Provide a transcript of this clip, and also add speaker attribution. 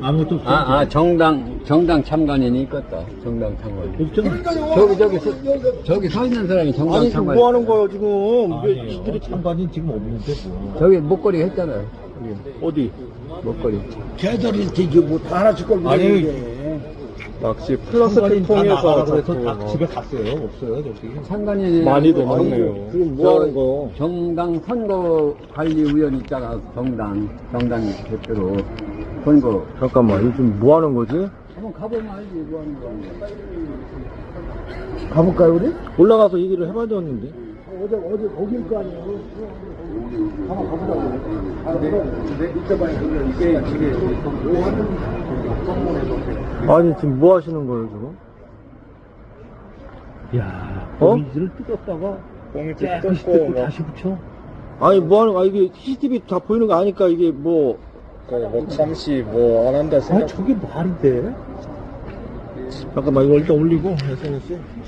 Speaker 1: 아무것도 없어.
Speaker 2: 정당 참관인이 있겠다. 정당 참관. 저기 서 있는 사람이 정당
Speaker 3: 아니, 지금
Speaker 2: 참관.
Speaker 3: 뭐 하는 거예요, 지금?
Speaker 1: 아니에요. 이들이 참관이 지금 없는데 뭐.
Speaker 2: 저기 목걸이 했잖아요.
Speaker 3: 어디?
Speaker 2: 목걸이.
Speaker 4: 걔들이 이게 뭐다 하나씩 걸고
Speaker 3: 아니,
Speaker 4: 있는데.
Speaker 3: 낚시 플러스틱
Speaker 1: 참관인 다
Speaker 3: 통해서
Speaker 1: 나가라 그래서
Speaker 3: 자꾸
Speaker 1: 다 집에 갔어요. 없어요, 저기.
Speaker 2: 참관인이
Speaker 3: 많이
Speaker 2: 아니고
Speaker 3: 도망네요.
Speaker 4: 지금 뭐 하는 거요?
Speaker 2: 정당 선거관리위원 있잖아. 정당 대표로 선거.
Speaker 3: 잠깐만, 이거 지금 뭐 하는 거지?
Speaker 2: 한번 가보면 알지 뭐 하는 거.
Speaker 4: 가볼까요, 우리?
Speaker 3: 올라가서 얘기를 해봐야 되었는데.
Speaker 4: 어제 거길 거 아니에요? 한번 가보자고.
Speaker 3: 아니, 지금 뭐 하시는 거예요, 지금?
Speaker 1: 야,
Speaker 3: 어?
Speaker 1: 거미줄을 뜯었다가
Speaker 3: 꽁이줄
Speaker 1: 깨끗이 뜯고 다시 붙여.
Speaker 3: 아니, 뭐 하는 거야? 이게 CCTV 다 보이는 거 아니까 이게 뭐. 잠시 뭐 안 한다
Speaker 1: 아, 저게 말이 돼?
Speaker 3: 잠깐만, 이거 일단 올리고, SNS에.